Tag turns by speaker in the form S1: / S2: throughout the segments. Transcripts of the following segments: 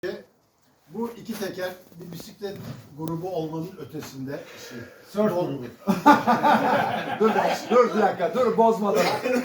S1: Bu iki teker bir bisiklet grubu olmanın ötesinde.
S2: Surf grubu.
S3: Dur bir dakika, dur bozmadan.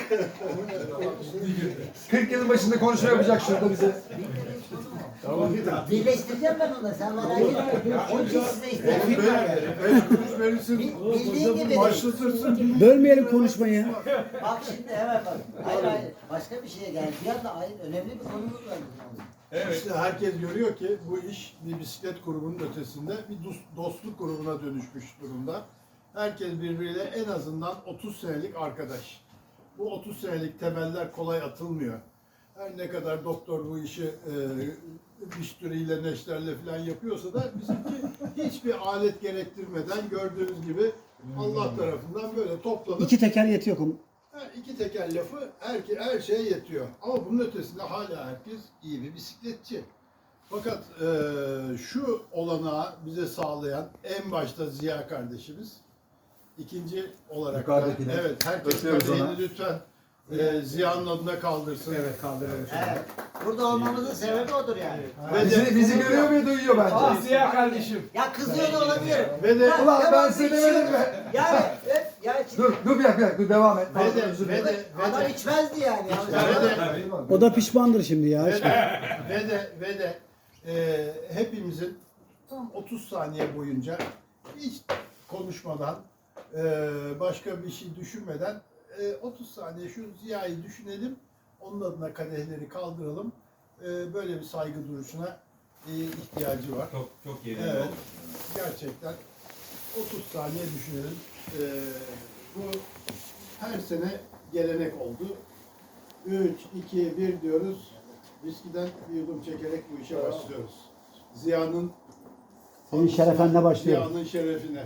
S3: 40 yılın başında konuşma yapacak şurada bize.
S4: Birleştireceğim ben onu, sen merak etme. Onun için size istedim.
S1: Kuruş verirsin,
S4: Bildiğin gibi.
S1: başlatırsın.
S2: Bölmeyelim konuşmayı.
S4: Bak şimdi hemen bak. Hayır. Başka bir şeye geldi. Bir anda önemli bir konumuz var.
S1: İşte herkes görüyor ki bu iş bir bisiklet grubunun ötesinde bir dostluk grubuna dönüşmüş durumda. Herkes birbiriyle en azından 30 senelik arkadaş. Bu 30 senelik temeller kolay atılmıyor. Her ne kadar doktor bu işi biştüriyle, neşterle falan yapıyorsa da bizimki hiçbir alet gerektirmeden gördüğünüz gibi Allah tarafından böyle toplanıp
S2: İki teker yetiyor.
S1: iki teker lafı her şeye yetiyor. Ama bunun ötesinde hala herkes iyi bir bisikletçi. Fakat şu olanağı bize sağlayan en başta Ziya kardeşimiz. İkinci olarak da, evet, herkes kadehini lütfen Ziya'nın adına kaldırsın.
S2: Evet, kaldıralım.
S4: Evet. Burada olmamızın sebebi odur yani.
S3: Bizi görüyor ve duyuyor bence.
S2: Ziya kardeşim.
S4: Ya kızıyor da olabilirim.
S1: Ve de
S3: Ulan ben
S4: Tamam,
S3: seni
S4: içiyorum.
S3: demedim mi?
S4: Yani
S3: Dur bir dakika, dur devam et.
S4: adam içmezdi yani.
S2: O da pişmandır şimdi ya.
S1: ve de hepimizin tam 30 saniye boyunca hiç konuşmadan başka bir şey düşünmeden 30 saniye şu Ziya'yı düşünelim, onun adına kadehleri kaldıralım. Böyle bir saygı duruşuna ihtiyacı var.
S5: Çok yerinde
S1: Evet,
S5: oldu.
S1: gerçekten 30 saniye düşünelim. Bu her sene gelenek oldu. 3, 2, 1 diyoruz. Viskiden bir yudum çekerek bu işe başlıyoruz. Ziya'nın
S2: Senin şerefenle başlıyor.
S1: Ziya'nın şerefine.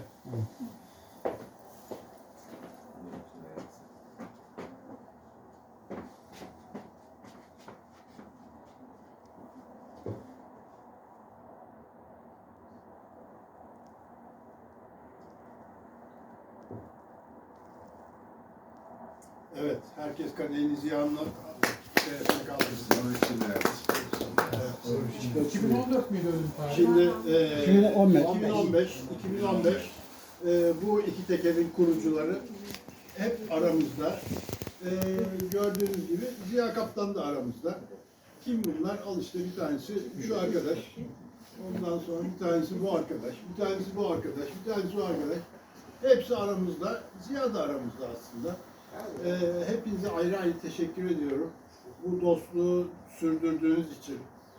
S1: Evet, herkes kadehini Ziya'nın şerefine kaldırsın. Evet.
S2: 2014 müydü ölüm tarihi?
S1: Şimdi
S2: 2015.
S1: Bu iki tekerin kurucuları hep aramızda. Gördüğünüz gibi Ziya Kaptan da aramızda. Kim bunlar? Al işte bir tanesi şu arkadaş. Ondan sonra bir tanesi bu arkadaş. Bir tanesi bu arkadaş. Bir tanesi bu arkadaş. Hepsi aramızda. Ziya da aramızda aslında. Hepinize ayrı ayrı teşekkür ediyorum. Bu dostluğu sürdürdüğünüz için.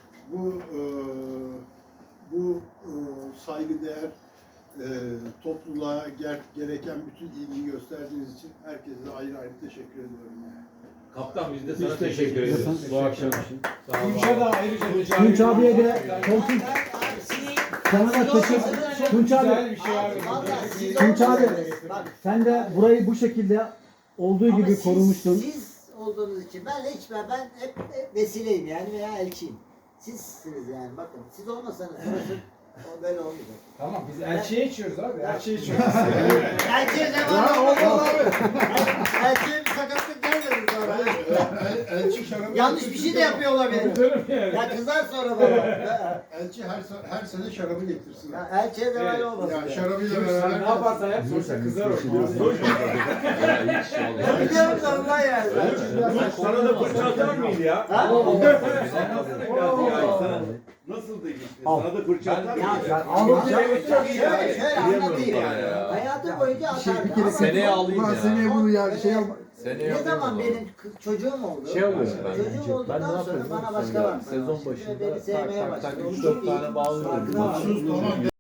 S1: Bu saygıdeğer topluluğa gereken bütün ilgiyi gösterdiğiniz için herkese ayrı ayrı teşekkür ediyorum.
S5: Kaptan biz de sana teşekkür ederiz bu akşam. Sağ ol.
S2: Tunç'a da ayrıca Tunç abiye de koltuk sana da teşekkür. Tunç abi. Tunç abi sen de burayı bu şekilde olduğu gibi korumuştun.
S4: Siz olduğunuz için ben hep vesileyim yani veya elçiyim. Sizsiniz yani bakın. Siz olmasanız burası o böyle olmayacak.
S2: Tamam biz elçiye içiyoruz abi. Elçiye içiyoruz.
S4: Elçiye ne var?
S1: Olmaz abi.
S4: Elçiye bir sakatlık gelmedi sonra.
S1: Elçi şarabı
S4: Yanlış bir şey de yapıyor olabilir. Ya kızar sonra bana.
S1: Elçi her sene şarabı getirsin.
S4: Ya elçiye de böyle olmasın.
S1: Ya şarabıyla beraber
S2: Ne yaparsan yap sonuçta kızar o.
S4: Ben biliyorum da ondan yani.
S5: Sana da fırça atar mıydı ya?
S4: Ha?
S5: Anlatsana biraz ya. Nasıldı işte? Sana da fırça atar mıydı?
S4: Şöyle anlatayım. Hayatım boyunca atardı. Ama
S3: Seneye alayım ya. Seneye bunu ya şey yapma.
S4: ne zaman benim çocuğum oldu? Çocuğum olduktan sonra bana başka var.
S6: Sezon başında
S4: Beni sevmeye
S6: tak tak
S4: başladı.
S6: tak 3-4 tane bağlıyorum.
S4: Farkına vardım.
S1: Tamam.